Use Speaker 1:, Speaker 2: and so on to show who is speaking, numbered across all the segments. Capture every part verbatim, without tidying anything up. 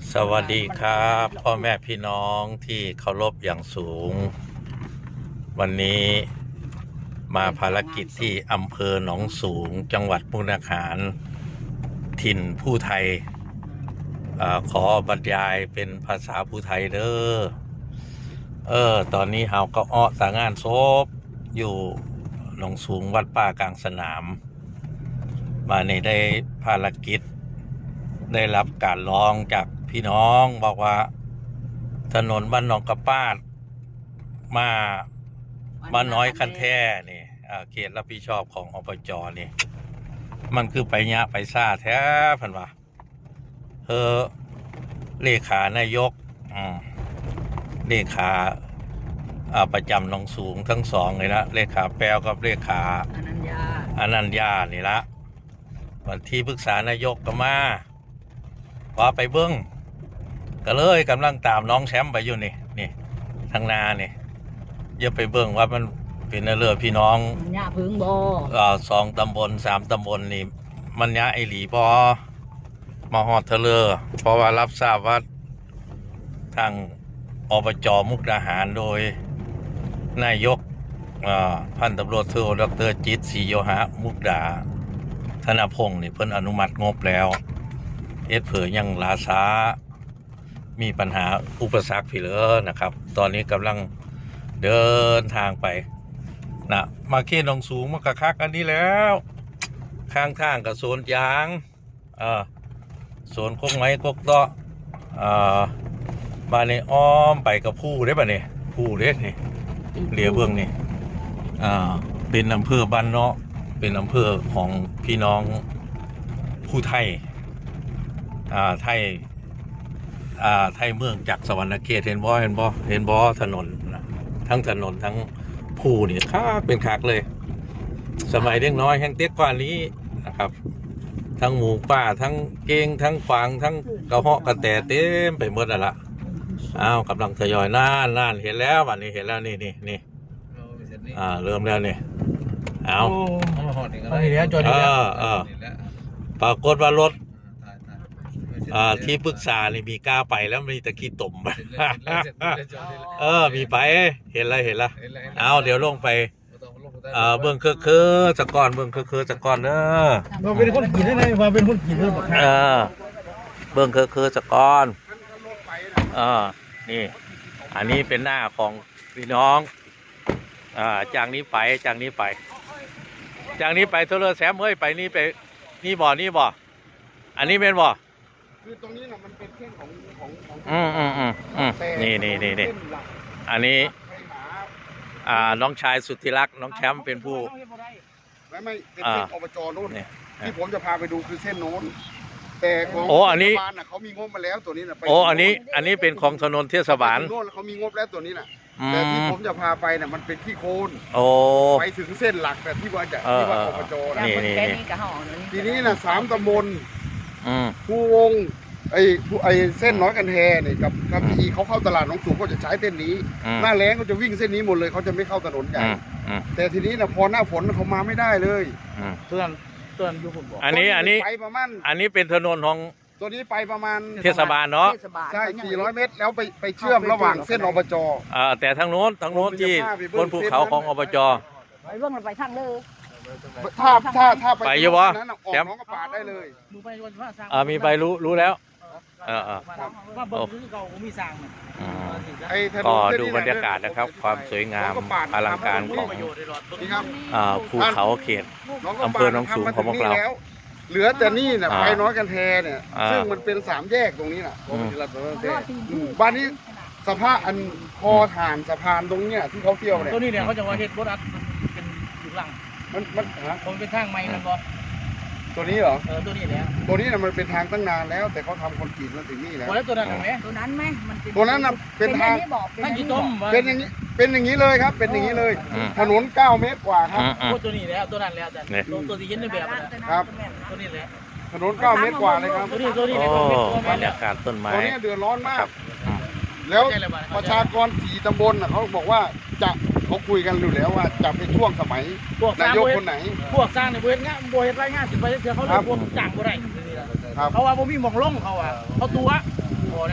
Speaker 1: สวัสดีครับพ่อแม่พี่น้องที่เคารพอย่างสูง วันนี้มาภารกิจที่อำเภอหนองสูงจังหวัดมุกดาหารถิ่นผู้ไทยอขอบรรยายเป็นภาษาผู้ไทยเด้อเออตอนนี้เฮาก็อ้อสางานศพอยู่หนองสูงวัดป่ากลางสนาม มาในได้ภารกิจได้รับการร้องจากพี่น้องบอกว่าถนนบ้านหนองกระปาดมาบ้านน้อยคันแท่นี่เขตรับผิดชอบของอบจนี่มันคือไปยะไปซ่าแท้พันว่าเออเลขานายกเลขาประจำหนองสูงทั้งสองเลยนะเลขาแปลวกับเลขาอนัญญาอนัญญานี่ละวันที่ปรึกษานายกก็มาว่าไปเบิ้งก็เลยกำลังตามน้องแชมป์ไปอยู่นี่นี่ทางนานี่อย่าไปเบิ้งว่ามันเป็นเรื่องพี่น้องยะพึ่งบอสองตำบลสามตำบลนี่มันยะไอหลีบอมาหอดเทเลอเพราะว่ารับทราบว่าทางอบจมุกดาหารโดยนายกพันตำรวจโทดรจิตศรีโยหะมุกดาธนพงศ์นี่เพิ่นอนุมัติงบแล้วเอ็ดเผยยังลาช้ามีปัญหาอุปสรรคพี่เลยนะครับตอนนี้กำลังเดินทางไปนะมาเขตหนองสูงมากระคักอันนี้แล้วข้างทางกับโซนยางเออโซนกกไม้กกเตาะอ่ามาในอ้อมไปกับผู้ได้ป่ะเนี่ยผู้เล็กนี่เหลียเบื้องนี่อ่าเป็นอำเภอบ้านเนาะเป็นอำเภอของพี่น้องผู้ไทยอ่าไทยอ่าไทยเมืองจากสวรรณเขตเห็นบ่เห็นบ่เห็นบ่ถนนทั้งถนนทั้งผู้นี่คักเป็นคักเลยสมัยเด็กน้อยแห่งเต็กกว่านี้นะครับทั้งหมูป่าทั้งเก้งทั้งฟางทั้งกระเหาะกระแตเต็มไปหมดแล้วล่ะอ้าวกำลังทยอยน่านน่านเห็นแล้ววันนี้เห็นแล้วนี่นี่นี่อ่าเริ่มแล้วนี่เอาเออเออปรากฏว่ารถอ่าที่ปรึกษานี่มีกล้าไปแล้วมีตะกี้ตุ่มเออมีไปเห็นแล้วเห็นแล้วเอาเดี๋ยวลงไปเออเบื้องคือคือสะก้อนเบื้องคือคือสะก้อนเนอะ
Speaker 2: มาเป็นคนกินได้ไงมาเป็นคนกินเลยเอ
Speaker 1: อเบื้องคือคือสะก้อนเออนี่อันนี้เป็นหน้าของพี่น้องอ่าจากนี้ไปจากนี้ไปจากนี้ไปเทเลอร์แซมเฮ้ยไปนี่ไปนี่บ่อนี่บ่ออันนี้เป็นบ่อ
Speaker 2: คือตรงนี้นะมันเป็นเส้นของของของ
Speaker 1: อืมอืมอืมอืมนี่นี่นี่นี่อันนี้อ่าน้องชายสุดที่รักน้องแชมป์เป็นผู้
Speaker 2: ไม่ไม่เป็นเส้นอบจโน่นที่ผมจะพาไปดูคือเส้นโน้นแต่ของ
Speaker 1: โอ้อันนี้
Speaker 2: เขามีงบมาแล้วตัวนี้นะ
Speaker 1: โอ้อันนี้อันนี้เป็นของถนนเทศบาล
Speaker 2: โน่นเขามีงบแล้วตัวนี้นะแต่ที่ผมจะพาไปเนี่ยมันเป็นที่โคน
Speaker 1: โอ้
Speaker 2: ไปถึงเส้นหลักแต่ที่ว่าจะที่ว่าอบจ
Speaker 1: นี่นี่
Speaker 2: ทีนี้นะสามตำบลผู้วงไอ้ไอ้เส้นน้อยกันแทเนี่ยกับกับอีเขาเข้าตลาดหนองสูงก็จะใช้เส้นนี้หน้าแล้งก็จะวิ่งเส้นนี้หมดเลยเขาจะไม่เข้าถนนใหญ่แต่ทีนี้นะพอหน้าฝนเขามาไม่ได้เลย
Speaker 1: เตือน
Speaker 2: เตือนอยู่ผมบอก
Speaker 1: อันนี้อันนี้ไปประมาณอันนี้เป็นถนนของ
Speaker 2: ตัวนี้ไปประมาณ
Speaker 1: เทศบาลเนาะ
Speaker 2: ใช่สี่ร้อยเมตรแล้วไปไปเชื่อมระหว่างเส้นอบจ
Speaker 1: อ่าแต่ทางโน้นทางโน้นที่บนภูเขาของอบจ
Speaker 3: ไปเรื่องมันไปทางเลย
Speaker 2: ถ้าถ้าถ้า
Speaker 1: ไปเยอะวะ
Speaker 2: แชมป์น้องกระปาดได้เลย
Speaker 1: อ่ามีใบรู้รู้แล้วเออ
Speaker 3: ว่าบนพื้นเก่ามีสร้าง
Speaker 1: ก็ดูบรรยากาศนะครับความสวยงามอลังการของภูเขาเขตอำเภอหนองสูงของพวกเรา
Speaker 2: เหลือแต่นี่นะไปน้อยกันแทเนี่ยซึ่งมันเป็นสามแยกตรงนี้น่ะบ้านนี้สภาพอันคอฐานสะพานตรงเนี้ยที่เขาเที่ยวเนี่ย
Speaker 3: ตัวนี้เนี่ยเขาจะว่าเฮ็ดรถอัดเป็นอยู่หลัง
Speaker 2: มันมัน
Speaker 3: มันเป็นทางใหม่มันบ่
Speaker 2: ตัวนี้เหรอ
Speaker 3: เออตัวนี้แล้ว
Speaker 2: ตัวนี้น่ะมันเป็นทางตั้งนานแล้วแต่เขาทำคอนกรีตมาถึงนี่แล้ว
Speaker 3: ตัวนั้นไหมตัวนั้นไหมมัน
Speaker 2: ตัวนั้นน่ะเป็นทาง
Speaker 3: ทางกี่ต้ม
Speaker 2: เป็นอย่างนี้เป็นอย่างนี้เลยครับเป็นอย่างนี้เลยถนนเก้าเมตรกว่าครับ
Speaker 3: ตัวนี้แล้วตัวนั้นแล้วแต่ตัวที่เห็นในแบบ
Speaker 2: ครับ
Speaker 3: ตัวนี้แหละ
Speaker 2: ถนนเก้าเมตรกว่าเลยครับ
Speaker 3: ตัวนี้ตัวนี้
Speaker 1: บรรยากาศต้นไม้
Speaker 2: ตัวนี้เดือดร้อนมากแล้วประชากรสี่ตำบลเขาบอกว่าจะเขาคุยกันอยู่แล้วว่าจะเป็นช่วงสมัยนายกคนไหน
Speaker 3: พวกสร้างในบริเวณงานบริเวณไรง่ายสิบไปเสียเขาเรียกพวกจ่างบ่ได้เขาว่าผมมีมองล่องเขาอ่ะเขาตัว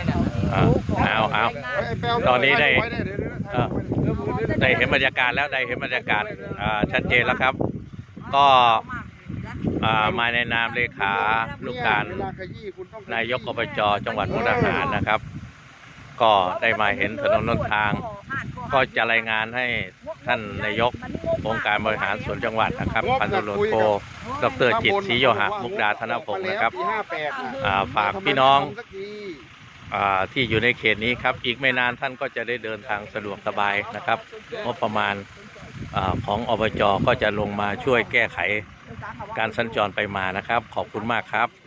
Speaker 1: อ่าเอาเอา
Speaker 2: ไอ้แปลว
Speaker 1: ตอนนี้ได้
Speaker 2: ว้เยวเดี๋ยวเดี๋ยว
Speaker 1: เออ
Speaker 2: เดี๋ยวเดี๋ยว
Speaker 1: ได้เห็นบรรยากาศแล้วได้เห็นบรรยากาศอ่าชัดเจนแล้วครับ ก็อ่ามาในนามเลขาลูกการ
Speaker 2: เวลขยี้คุณต้องขยี้
Speaker 1: นายกอบจจังหวัดมุกดาหารนะครับ ก็ได้มาเห็นถนนหนทาง ก็จะรายงานให้ท่านนายกองค์การบริหารส่วนจังหวัดนะครับพันตำรวจโทดรจิตรศรีโยหะมุกดาธนพงศ์นะครับ
Speaker 2: ปีห้าแปดน่ะ
Speaker 1: อ่าฝากพี่น้อง
Speaker 2: ทำไมไม่ทำสักที
Speaker 1: อ่าที่อยู่ในเขตนี้ครับ อีกไม่นานท่านก็จะได้เดินทางสะดวกสบายนะครับงบประมาณอาของอบจก็จะลงมาช่วยแก้ไขการสัญจรไปมานะครับ ขอบคุณมากครับ